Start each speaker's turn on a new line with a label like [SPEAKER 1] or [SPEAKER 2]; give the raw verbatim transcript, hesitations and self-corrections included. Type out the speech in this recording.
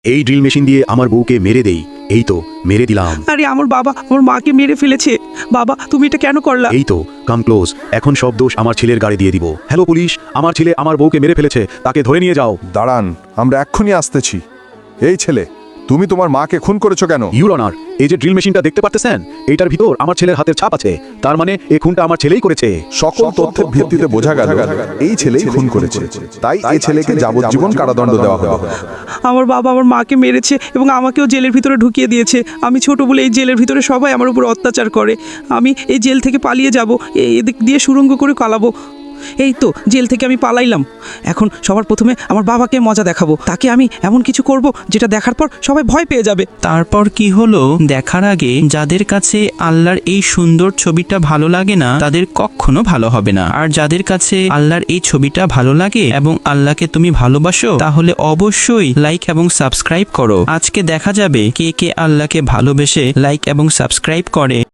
[SPEAKER 1] এই drill machine দিয়ে আমার বউকে মেরে দেই। এই তো মেরে দিলাম।
[SPEAKER 2] আরে আমার বাবা আমার মাকে মেরে ফেলেছে। বাবা তুমি এটা কেন করলা?
[SPEAKER 1] এই তো কাম ক্লোজ। এখন সব দোষ আমার ছেলের গাড়ি দিয়ে দিব। হ্যালো পুলিশ, আমার ছেলে আমার বউকে মেরে ফেলেছে, তাকে ধরে নিয়ে যাও।
[SPEAKER 3] দাঁড়ান, আমরা এক্ষুনি আসতেছি। এই ছেলে, তুমি তোমার মাকে খুন করেছো কেন?
[SPEAKER 1] ইউর অনার, এই যে ড্রিল মেশিনটা দেখতে পারতেছেন, এইটার ভিতর আমার ছেলের হাতের ছাপ আছে। তার মানে এই খুনটা আমার ছেলেই করেছে।
[SPEAKER 3] সকল তথ্যের ভিত্তিতে বোঝা গেল এই ছেলেই খুন করেছে, তাই এই ছেলেকে যাবজ্জীবন কারাদণ্ড দেওয়া হবে।
[SPEAKER 2] আমার বাবা আমার মাকে মেরেছে এবং আমাকেও জেলের ভিতরে ঢুকিয়ে দিয়েছে। আমি ছোট বলে এই জেলের ভিতরে সবাই আমার উপর অত্যাচার করে। আমি এই জেল থেকে পালিয়ে যাব, এদিক দিয়ে সুড়ঙ্গ করে পালাবো। এই তো জেল থেকে আমি পালাইলাম। এখন সবার প্রথমে আমার বাবাকে মজা দেখাবো। তাকে আমি এমন কিছু করব যেটা দেখার পর সবাই ভয় পেয়ে যাবে।
[SPEAKER 4] তারপর কি হলো দেখার আগে যাদের কাছে আল্লাহর এই সুন্দর ছবিটা ভালো লাগে না তাদের কখনো ভালো হবে না। আর যাদের কাছে আল্লাহর এই ছবিটা ভালো লাগে এবং আল্লাহকে তুমি ভালোবাসো তাহলে অবশ্যই লাইক এবং সাবস্ক্রাইব করো। আজকে দেখা যাবে কে কে আল্লাহকে ভালোবেসে লাইক এবং সাবস্ক্রাইব করে।